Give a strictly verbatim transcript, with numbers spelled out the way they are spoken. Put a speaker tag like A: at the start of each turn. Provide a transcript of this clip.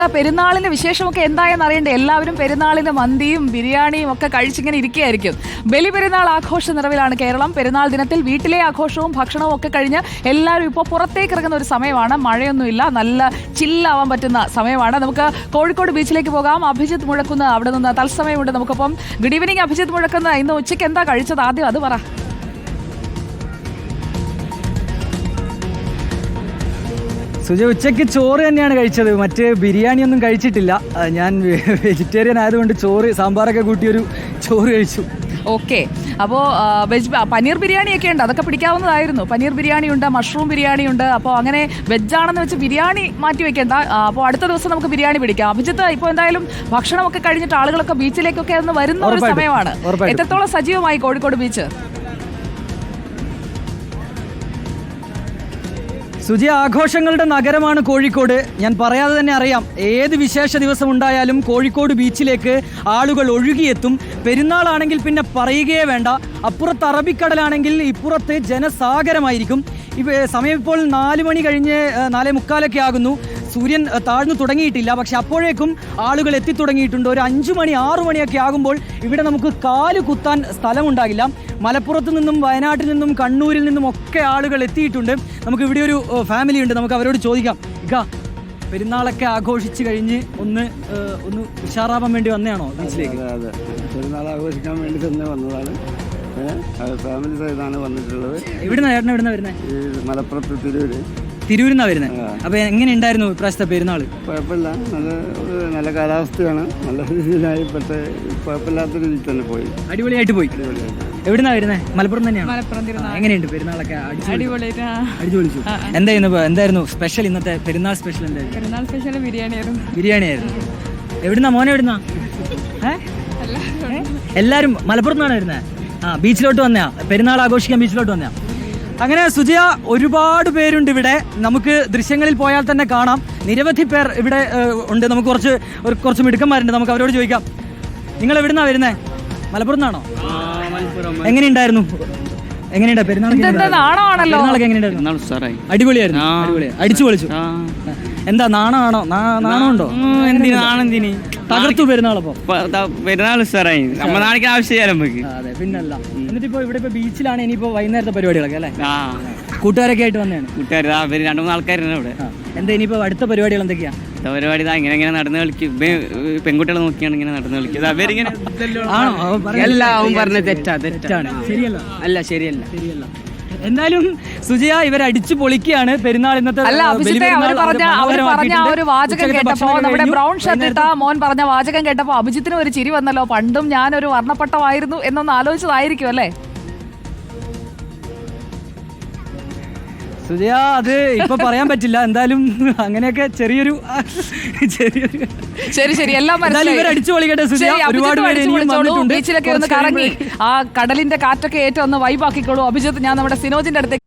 A: പെരുന്നാളിന്റെ വിശേഷമൊക്കെ എന്തായെന്ന് അറിയണ്ടേ? എല്ലാവരും പെരുന്നാളിന് മന്തിയും ബിരിയാണിയും ഒക്കെ കഴിച്ചിങ്ങനെ ഇരിക്കുകയായിരിക്കും. ബലി പെരുന്നാൾ ആഘോഷ നിറവിലാണ് കേരളം. പെരുന്നാൾ ദിനത്തിൽ വീട്ടിലെ ആഘോഷവും ഭക്ഷണവും ഒക്കെ കഴിഞ്ഞ് എല്ലാവരും ഇപ്പോൾ പുറത്തേക്ക് ഇറങ്ങുന്ന ഒരു സമയമാണ്. മഴയൊന്നുമില്ല, നല്ല ചില്ലാവാൻ പറ്റുന്ന സമയമാണ്. നമുക്ക് കോഴിക്കോട് ബീച്ചിലേക്ക് പോകാം. അഭിജിത്ത് മുഴക്കുന്ന അവിടെ നിന്ന് തത്സമയമുണ്ട് നമുക്കൊപ്പം. ഗുഡ് ഈവനിങ് അഭിജിത്ത് മുഴക്കുന്ന. ഇന്ന് ഉച്ചയ്ക്ക് എന്താ കഴിച്ചത്? ആദ്യം അത് പറ.
B: സുജ, ഉച്ചയ്ക്ക് ചോറ് തന്നെയാണ് കഴിച്ചത്. മറ്റ് ബിരിയാണി ഒന്നും കഴിച്ചിട്ടില്ല. ഞാൻ വെജിറ്റേറിയൻ ആയതുകൊണ്ട് ചോറ് സാമ്പാറൊക്കെ കൂട്ടിയൊരു ചോറ് കഴിച്ചു.
A: ഓക്കെ, അപ്പോൾ വെജ് പനീർ ബിരിയാണിയൊക്കെ ഉണ്ട്, അതൊക്കെ പിടിക്കാവുന്നതായിരുന്നു. പനീർ ബിരിയാണി ഉണ്ട്, മഷ്റൂം ബിരിയാണി ഉണ്ട്. അപ്പോൾ അങ്ങനെ വെജാണെന്ന് വെച്ച് ബിരിയാണി മാറ്റി വെക്കേണ്ട. അപ്പോൾ അടുത്ത ദിവസം നമുക്ക് ബിരിയാണി പിടിക്കാം. അഭിജിത്ത്, ഇപ്പോൾ എന്തായാലും ഭക്ഷണമൊക്കെ കഴിഞ്ഞിട്ട് ആളുകളൊക്കെ ബീച്ചിലേക്കൊക്കെ ഒന്ന് വരുന്ന ഒരു സമയമാണ്. എത്രത്തോളം സജീവമായി കോഴിക്കോട് ബീച്ച്?
B: സുജി, ആഘോഷങ്ങളുടെ നഗരമാണ് കോഴിക്കോട്. ഞാൻ പറയാതെ തന്നെ അറിയാം, ഏത് വിശേഷ ദിവസം ഉണ്ടായാലും കോഴിക്കോട് ബീച്ചിലേക്ക് ആളുകൾ ഒഴുകിയെത്തും. പെരുന്നാളാണെങ്കിൽ പിന്നെ പറയുകയേ വേണ്ട. അപ്പുറത്ത് അറബിക്കടലാണെങ്കിൽ ഇപ്പുറത്ത് ജനസാഗരമായിരിക്കും. ഇപ്പം സമയം ഇപ്പോൾ നാല് മണി കഴിഞ്ഞ് നാലേ മുക്കാലൊക്കെ ആകുന്നു. സൂര്യൻ താഴ്ന്നു തുടങ്ങിയിട്ടില്ല, പക്ഷെ അപ്പോഴേക്കും ആളുകൾ എത്തിത്തുടങ്ങിയിട്ടുണ്ട്. ഒരു അഞ്ചു മണി ആറു മണിയൊക്കെ ആകുമ്പോൾ ഇവിടെ നമുക്ക് കാല് കുത്താൻ സ്ഥലമുണ്ടാകില്ല. മലപ്പുറത്ത് നിന്നും വയനാട്ടിൽ നിന്നും കണ്ണൂരിൽ നിന്നും ഒക്കെ ആളുകൾ എത്തിയിട്ടുണ്ട്. നമുക്ക് ഇവിടെ ഒരു ഫാമിലി ഉണ്ട്, നമുക്ക് അവരോട് ചോദിക്കാം. ഇക്ക, പെരുന്നാളൊക്കെ ആഘോഷിച്ച് കഴിഞ്ഞ് ഒന്ന് ഒന്ന് ഉഷാറാവാൻ വേണ്ടി വന്നതാണോ ബീച്ചിലേക്ക്?
C: അതെ, പെരുന്നാൾ ആഘോഷിക്കാൻ വേണ്ടി തന്നെ വന്നതാണ്. ഫാമിലി സഹിതമാണ് വന്നിട്ടുള്ളത്.
B: എവിടുന്നാ ചേട്ടൻ എവിടുന്നാ വരുന്നത്?
C: മലപ്പുറത്ത് തിരൂര്.
B: തിരൂരിന്നാ വരുന്നത്. അപ്പൊ എങ്ങനെ ഉണ്ടായിരുന്നു ഇപ്രാവശ്യത്തെ പെരുന്നാൾ?
C: കുഴപ്പമില്ല, നല്ല ഒരു നല്ല കാലാവസ്ഥയാണ്. നല്ല രീതിയിലായി പെട്ട് കുഴപ്പമില്ലാത്ത രീതിയിൽ തന്നെ പോയി.
B: അടിപൊളിയായിട്ട് പോയി. എവിടുന്നാ വരുന്നത്? മലപ്പുറം തന്നെയാണ്. എങ്ങനെയുണ്ട് പെരുന്നാളൊക്കെ? അടിപൊളിച്ചു. എന്തായിരുന്നു എന്തായിരുന്നു സ്പെഷ്യൽ ഇന്നത്തെ പെരുന്നാൾ സ്പെഷ്യൽ? എന്തായിരുന്നു
A: പെരുന്നാൾ സ്പെഷ്യൽ? ബിരിയാണി ആയിരുന്നു.
B: ബിരിയാണി ആയിരുന്നു. എവിടുന്നാ മോനെ? എവിടുന്നാ? എല്ലാരും മലപ്പുറത്ത് വരുന്നത്? ആ, ബീച്ചിലോട്ട് വന്നയാ? പെരുന്നാൾ ആഘോഷിക്കാൻ ബീച്ചിലോട്ട് വന്നയാ? അങ്ങനെ സുജയ, ഒരുപാട് പേരുണ്ട് ഇവിടെ. നമുക്ക് ദൃശ്യങ്ങളിൽ പോയാൽ തന്നെ കാണാം, നിരവധി പേർ ഇവിടെ ഉണ്ട്. നമുക്ക് കുറച്ച് ഒരു കുറച്ച് മിടുക്കന്മാരുണ്ട്, നമുക്ക് അവരോട് ചോദിക്കാം. നിങ്ങൾ എവിടുന്നാ വരുന്നേ? മലപ്പുറത്ത് നിന്നാണോ? എങ്ങനെയുണ്ടായിരുന്നു? എങ്ങനെയുണ്ട് പെരുന്നാൾ? പെരുന്നാളൊക്കെ എങ്ങനെയുണ്ടായിരുന്നു? അടിപൊളിയായിരുന്നു. അടിപൊളിയായി അടിച്ചു പൊളിച്ചു. എന്താ, നാണമാണോ? നാണമുണ്ടോ?
D: നാണെന്തിന്
B: തകർത്തു പെരുന്നാളപ്പോ?
D: പെരുന്നാൾ സാറായി നമ്മ നാളേക്ക് ആവശ്യം.
B: അതെ, പിന്നല്ല. എന്നിട്ടിപ്പോ ഇവിടെ ഇപ്പൊ ബീച്ചിലാണ് ഇനിയിപ്പോ വൈകുന്നേരത്തെ പരിപാടികളൊക്കെ അല്ലേ? കൂട്ടുകാരൊക്കെ ആയിട്ട് വന്നതാണ്.
D: കൂട്ടുകാർ രണ്ടു മൂന്ന് ആൾക്കാരുണ്ട് ഇവിടെ.
B: എന്താ ഇനിയിപ്പോ അടുത്ത പരിപാടികൾ എന്തൊക്കെയാ?
D: പരിപാടി ഇങ്ങനെ ഇങ്ങനെ നടന്നു കളിക്കും. പെൺകുട്ടികളെ നോക്കിയാണ് ഇങ്ങനെ നടന്നു കളിക്കുന്നത്. അവരിങ്ങനെ
B: എല്ലാം പറഞ്ഞ തെറ്റാ തെറ്റാണ്. ശരിയല്ല. അല്ല ശരിയല്ല ശരിയല്ല എന്തായാലും സുജയ, ഇവർ അടിച്ചു പൊളിക്കുകയാണ് പെരുന്നാൾ ഇന്നത്തെ.
A: അല്ല അഭിജിത്തെ, അവർ പറഞ്ഞ അവർ പറഞ്ഞ ആ ഒരു വാചകം കേട്ടപ്പോ, നമ്മുടെ ബ്രൗൺ ഷർട്ട് ഇട്ട മോൻ പറഞ്ഞ വാചകം കേട്ടപ്പോ അഭിജിത്തിന് ഒരു ചിരി വന്നല്ലോ. പണ്ടും ഞാനൊരു വർണ്ണപ്പട്ടമായിരുന്നു എന്നൊന്ന് ആലോചിച്ചതായിരിക്കും അല്ലേ
B: സുജയ? അത് ഇപ്പൊ പറയാൻ പറ്റില്ല. എന്തായാലും അങ്ങനെയൊക്കെ ചെറിയൊരു ചെറിയൊരു
A: ശരി ശരി എല്ലാം
B: അടിച്ചു പൊളിക്കട്ടെ സുജയ. ഒരുപാട്
A: ബീച്ചിലൊക്കെ ഒന്ന് കറങ്ങി ആ കടലിന്റെ കാറ്റൊക്കെ ഏറ്റവും ഒന്ന് വൈബാക്കിക്കോളൂ. അഭിജിത്ത്, ഞാൻ നമ്മുടെ സിനോജിന്റെ അടുത്തേക്ക്